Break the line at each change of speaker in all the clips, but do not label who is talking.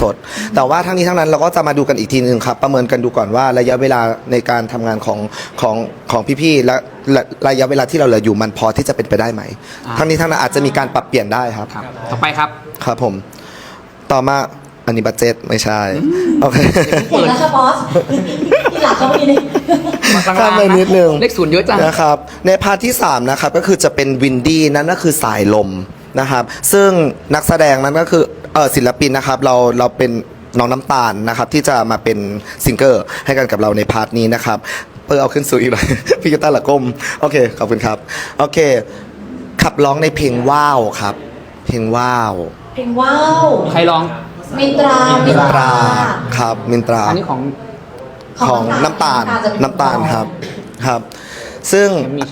สดแต่ว่าทั้งนี้ทั้งนั้นเราก็จะมาดูกันอีกทีนึงครับประเมินกันดูก่อนว่าระยะเวลาในการทำงานของพี่ๆและระยะเวลาที่เราเหลืออยู่มันพอที่จะเป็นไปได้ไหมทั้งนี้ทั้งนั้นอาจจะมีการปรับเปลี่ยนได้ครับ
ต่อไปครับ
ครับผมต่อมาอันนี้บัดเจ็ตไม่ใช่โอเค
เห็นแล้วค่ะบอสที่หลังเขาไม่ได้
ข้ามไปนิดนึง
เลขศูนย์เยอะจัง
นะครับในพาร์ทที่3นะครับก็คือจะเป็นวินดี้นั่นก็คือสายลมนะครับซึ่งนักแสดงนั้นก็คือศิลปินนะครับเราเป็นน้องน้ำตาลนะครับที่จะมาเป็นซิงเกอร์ให้กันกับเราในพาร์ทนี้นะครับเอาขึ้นสู่อีกหน่อย พี่กีตาร์ละก้มโอเคขอบคุณครับโอเคขับร้องในเพลงว้าวครับเพลงว้าว
ใครร้อง
มินตรา
ครับมินตรา
อันนี้
ของน้ำตาลครับซึ่ง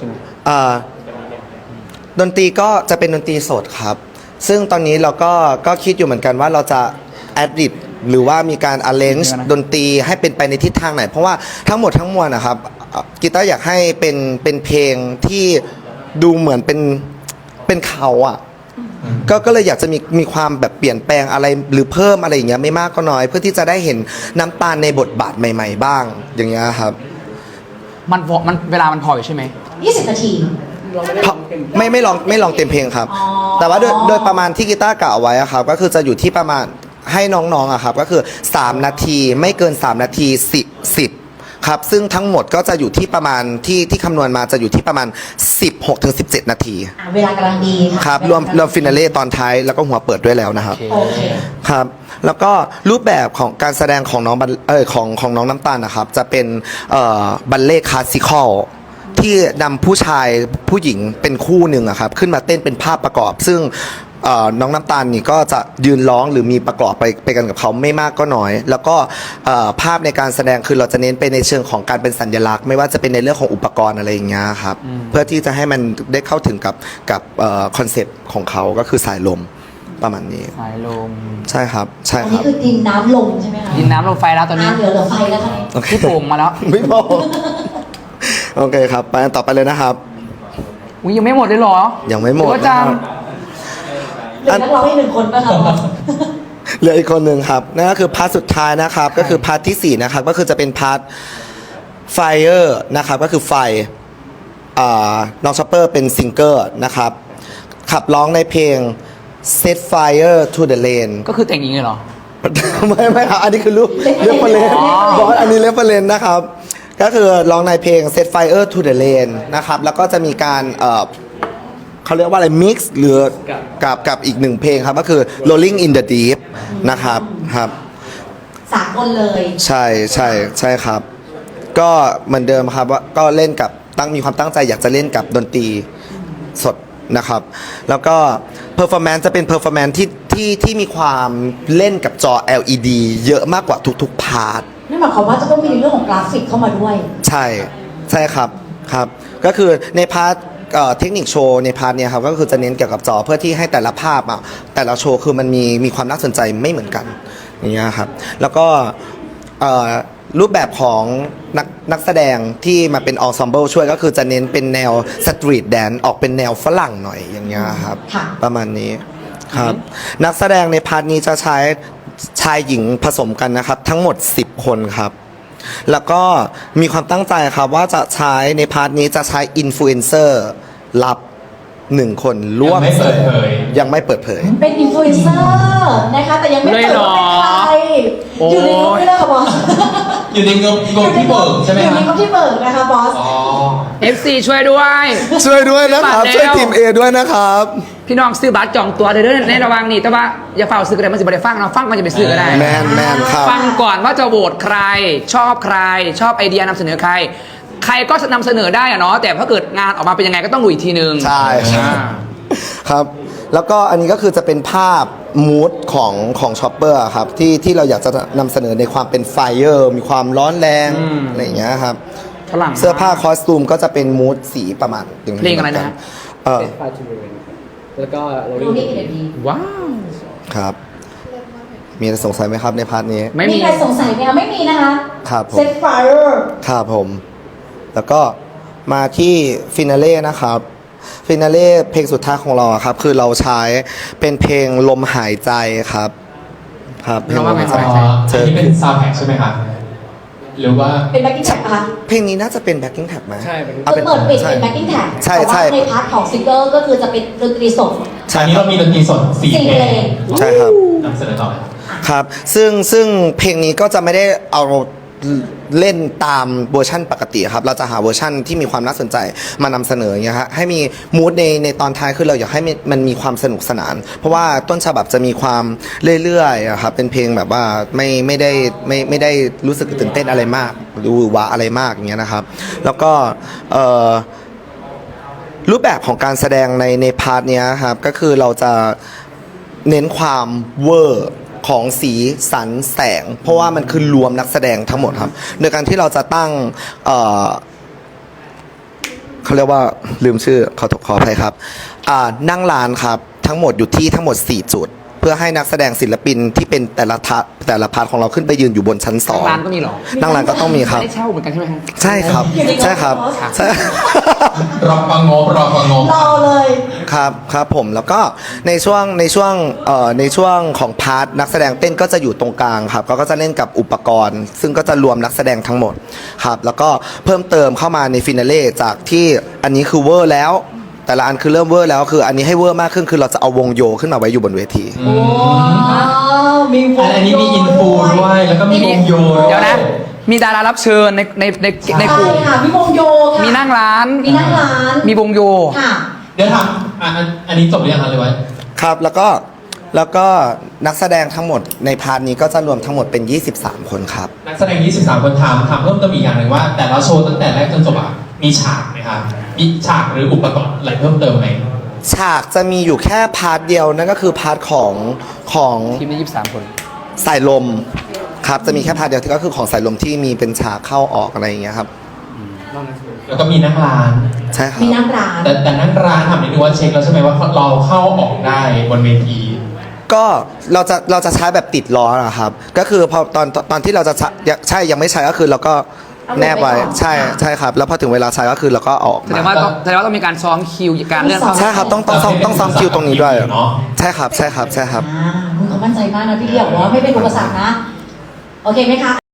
ดนตรีก็จะเป็นดนตรีสดครับซึ่งตอนนี้เราก็คิดอยู่เหมือนกันว่าเราจะแอดดิบหรือว่ามีการ arrange ดนตรีให้เป็นไปในทิศทางไหนเพราะว่าทั้งหมดทั้งมวลนะครับกีตาร์อยากให้เป็นเพลงที่ดูเหมือนเป็นเขาอ่ะก็เลยอยากจะมีความแบบเปลี่ยนแปลงอะไรหรือเพิ่มอะไรอย่างเงี้ยไม่มากก็น้อยเพื่อที่จะได้เห็นน้ำตาลในบทบาทใหม่ๆบ้างอย่างเงี้ยครับ
มันเวลามันพออยู่ใช่ไหม
20 นาที
ไม่ลองเต็มเพลงครับแต่ว่าโดยประมาณที่กีตาร์กล่าวไว้ครับก็คือจะอยู่ที่ประมาณให้น้องๆครับก็คือ3นาทีไม่เกิน3นาที10ครับซึ่งทั้งหมดก็จะอยู่ที่ประมาณที่คำนวณมาจะอยู่ที่ประมาณ16-17 นาที
เวลากำลังดี
ครับรวมฟินาเล่ตอนท้ายแล้วก็หัวเปิดด้วยแล้วนะครับครับแล้วก็รูปแบบของการแสดงของน้องของน้องน้ำตาลนะครับจะเป็นบัลเล่คลาสสิคอลที่นำผู้ชายผู้หญิงเป็นคู่หนึ่งครับขึ้นมาเต้นเป็นภาพประกอบซึ่งน้องน้ำตาลนี่ก็จะยืนร้องหรือมีประกอบไปกันกับเขาไม่มากก็น้อยแล้วก็ภาพในการแสดงคือเราจะเน้นไปในเชิงของการเป็นสัญลักษณ์ไม่ว่าจะเป็นในเรื่องของอุปกรณ์อะไรอย่างเงี้ยครับเพื่อที่จะให้มันได้เข้าถึงกับคอนเซ็ปต์ของเขาก็คือสายลมประมาณนี้
สายลม
ใช่ครับใช่
ครับอัน
นี้
คือดินน้ำลมใช่ไหมคะ
ดินน้ำลมไฟแล้วตอนนี้
เหลือไฟแล้วค่ะ
พี่โป่งมาแล้ว
ไม่พอโอเคครับไปต่อไปเลยนะครับ
ยังไม่หมดเลยหรอ
ยังไม่หมด
จังเหลือนักร้องอีก1 คนป่ะครับ
เหลืออีกคนหนึ่งครับนั่นก็คือพาร์ทสุดท้ายนะครับก็คือพาร์ทที่4นะครับก็คือจะเป็นพาร์ทไฟเออร์นะครับก็คือไฟน้องชอปเปอร์เป็นซิงเกอร์นะครับขับร้องในเพลง Set Fire to the Lane
ก็คือแต่งหญิงเลยเหรอ
ไม่ครับอันนี้คือเรื่องประเด็นบอสอันนี้เรื่องประเด็นนะครับก็คือร้องในเพลง Set Fire to the Lane นะครับแล้วก็จะมีการเขาเรียกว่าอะไร mix หรือกับอีก1เพลงครับก็คือ Rolling in the Deep นะครับครับ
3 คนเลย
ใช่ครับก็เหมือนเดิมครับว่าก็เล่นกับมีความตั้งใจอยากจะเล่นกับดนตรีสดนะครับแล้วก็ performance จะเป็น performance ที่มีความเล่นกับจอ LED เยอะมากกว่าทุกๆพาร์ท
นั่นหมายความว่าจะต้องมีเรื่องของกราฟิกเข้ามาด้วย
ใช่ครับก็คือในพาร์ทเทคนิคโชว์ในพาร์ทเนี้ยครับก็คือจะเน้นเกี่ยวกับจอเพื่อที่ให้แต่ละภาพแต่ละโชว์คือมันมีความน่าสนใจไม่เหมือนกันอย่างเงี้ยครับแล้วก็รูปแบบของนักแสดงที่มาเป็นอนเซมเบิลช่วยก็คือจะเน้นเป็นแนวสตรีทแดนซ์ออกเป็นแนวฝรั่งหน่อยอย่างเงี้ยครับประมาณนี้ครับนักแสดงในพาร์ทนี้จะใช้ชายหญิงผสมกันนะครับทั้งหมด10 คนครับแล้วก็มีความตั้งใจครับว่าจะใช้ในพาร์ทนี้จะใช้อินฟลูเอนเซอร์รับ1 คนร่วมยังไม่เปิดเผย
เป็นอินฟลูเอนเซอร์นะคะแต่ยังไม่เปิดว่าเป็นใครอยู่ในงบนี่แหละค่ะบอส
อยู่ในงบที่เบิกใช่ไหม
อยู่ในงบที่เบิกนะคะบอส
FC ช่วยด้วย
นะครับช่วยทีม A ด้วยนะครับ
พี่น้องซื้อบัตรจองตัวเด้อในระหว่างนี้แต่ว่าอย่าเฝ้าซื้อกันเลยมันจะไม่ได้ฟังเราฟังมันจะไปซื้อก็ได้
แมนครับ
ฟังก่อนว่าจะโหวตใครชอบใครชอบไอเดียนำเสนอใครก็นำเสนอได้อะเนาะแต่ถ้าเกิดงานออกมาเป็นยังไงก็ต้องดูอีกทีนึง
ใช่ครับแล้วก็อันนี้ก็คือจะเป็นภาพมูดของช็อปเปอร์ครับที่เราอยากจะนำเสนอในความเป็นไฟเออร์มีความร้อนแรงอะไรอย่างเงี้ยครับเสื้อผ้าคอสตูมก็จะเป็นมูดสีประมาณ
เพลงอะไรนะ
แล้วก็
ว้าว
ครับมีอะไรสงสัยไหมครับในพาร์ทนี้
ไม่มีใครสงสัยไหมคะไม่มีนะคะ
ครับผม
Set Fire
ครับผมแล้วก็มาที่ฟินาเล่นะครับฟินาเล่เพลงสุดท้ายของเราครับคือเราใช้เป็นเพลงลมหายใจครับครับเพลง
เราว่าไง
Woman
อันนี้เป็นซาวด์แทร็กใช่ไหมครับหรือว่า
เป็นแบ็กกิ้งแท็กคะ
เพลงนี้น่าจะเป็น backing track ไหม
ใช่เป็น
อา
คือเปิดปิดเป็นแบ็กกิ้งแท็ก
ใช่
แต่ว่า
ใช่
ในพาร์ทของซิงเกิลก็คือจะเป็นดนตรีสด
ใช่
อันนี้
ครั
เรา
บ
มีดนตรีสด4
4
เพล
เพล
ง
ง
ใช่ครับ
นำเสนอต่อเลยครับ
ครับซึ่งเพลงนี้ก็จะไม่ได้เอาเล่นตามเวอร์ชั่นปกติครับเราจะหาเวอร์ชั่นที่มีความน่าสนใจมานำเสนออย่างเงี้ยฮะให้มีมูดในตอนท้ายคือเราอยากให้มันมีความสนุกสนาน เพราะว่าต้นฉบับจะมีความเรื่อยๆอะครับเป็นเพลงแบบว่าไม่ได้รู้สึกตื่นเต้นอะไรมากดูหวาอะไรมากอย่างเงี้ยนะครับ แล้วก็รูปแบบของการแสดงในพาร์ทเนี้ยครับก็คือเราจะเน้นความเวอร์ของสีสันแสง เพราะว่ามันคือรวมนักแสดงทั้งหมดครับโดยการที่เราจะตั้งเขาเรียกว่าลืมชื่อขออภัยครับนั่งร้านครับทั้งหมดอยู่ที่ทั้งหมด 4 จุด เพื่อให้นักแสดงศิลปินที่เป็นแต่ละพาร์ทของเราขึ้นไปยืนอยู่บนชั้นสอง
ร้านก็มีเหรอ
นั่งร้านก็ต้องมีครับ
ไม่ได้เช่าเหมือนกันใช่ไหมฮะ
ใช่ครับ
อยู่ใน
ใช่ครับ
งบ
ใช่
รอฟังงบ
รอเลย
ครับผมแล้วก็ในช่วงของพาร์ทนักแสดงเต้นก็จะอยู่ตรงกลางครับก็จะเล่นกับอุปกรณ์ ซึ่งก็จะรวมนักแสดงทั้งหมดครับแล้วก็เพิ่มเติมเข้ามาในฟินาเล่จากที่อันนี้คือเวอร์แล้ว แต่ละอันคือเริ่มเวอร์แล้วคืออันนี้ให้เวอร์มากขึ้นคือเราจะเอาวงโยขึ้นมาไว้อยู่บนเวที
โอ้มีวง
อันนี้มีอินฟูด้วย แล้วก็มีวงโย
เดี๋ยวนะ มีดารารับเชิญในกลุ่ม
ใช่ค่ะมีวงโยค่ะ
มีนั่งร้าน
มีนั่งร้าน
มีวงโย
ค่ะ
เดี๋ยวถามอันนี้จบหรือยังครับเลยไว้
ครับแล้วก็นักแสดงทั้งหมดในพาร์ทนี้ก็จะรวมทั้งหมดเป็น 23 คนครับ
นักแสดง 23 คนถามเพิ่มเติมอีกอย่างหนึ่งว่า แต่ละโชว์ตั้งแต่แรกจนจบอะมีฉากไหมครับมีฉากหรืออุปกรณ์อะไรเพิ่มเติมไหม
ฉากจะมีอยู่แค่พาร์ทเดียวนั่นก็คือพาร์ทของ
ทีมนี้23 คน
สายลมครับจะมีแค่พาร์ทเดียวที่ก็คือของสายลมที่มีเป็นฉากเข้าออกอะไรอย่างเงี้ยครับ
แล้วก็มีนั่งร้าน
ใช่ครับ
มีนั่งร้าน
แต่นั่งร้านถามนิดนึงว่าเช็คแล้วใช่ไหมว่าเราเข้าออกได้บนเวที
ก็เราจะใช้แบบติดล้อนะครับก็คือพอตอนที่เราจะใช่ยังไม่ใช้ก็คือเราก็แนบไว้ใช่ครับแล้วพอถึงเวลาใช้ก็คือเราก็เอาออก
แสด
มาง
ว่าต้องมีการซ้อมคิวการเลื่อนเข้า
ใช่ครับต้องซ้อมคิวตรงนี้ด้วย
เนาะ
ใช่ครับ
เขามั่นใจมากนะพี่เดียวว่าไม่เป็นอุปสรรคนะ โอเคไหมคะ